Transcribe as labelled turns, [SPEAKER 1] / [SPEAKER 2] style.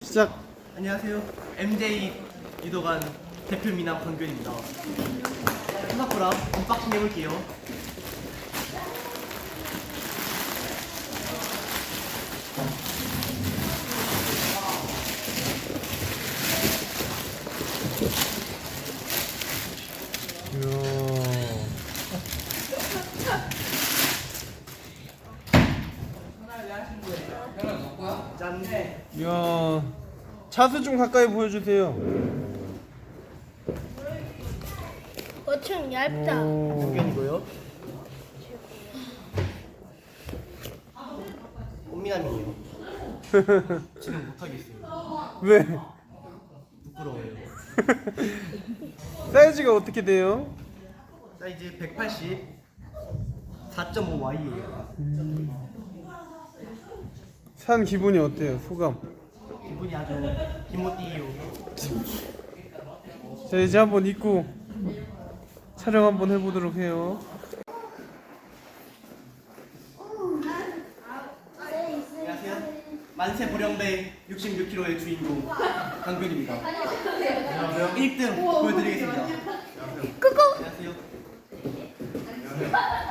[SPEAKER 1] 시작.
[SPEAKER 2] 안녕하세요. MJ 유도관 대표 미남 강균입니다. 생각보다 언박싱 해볼게요. 짠.
[SPEAKER 1] 이야, 차수 좀 가까이 보여주세요.
[SPEAKER 3] 엄청 얇다.
[SPEAKER 2] 강균이고요. 꽃미남이에요. 지금 못하겠어요.
[SPEAKER 1] 왜?
[SPEAKER 2] 부끄러워요.
[SPEAKER 1] 사이즈가 어떻게 돼요?
[SPEAKER 2] 사이즈 180, 4.5Y예요.
[SPEAKER 1] 산 기분이 어때요? 소감?
[SPEAKER 2] 기분이 아주 기모띠요.
[SPEAKER 1] 자, 이제 한번 입고 촬영 한번 해보도록 해요.
[SPEAKER 2] 안녕하세요. 만세불령배 66kg의 주인공 강균입니다. 안녕하세요. 1등 보여드리겠습니다. 안녕하세요.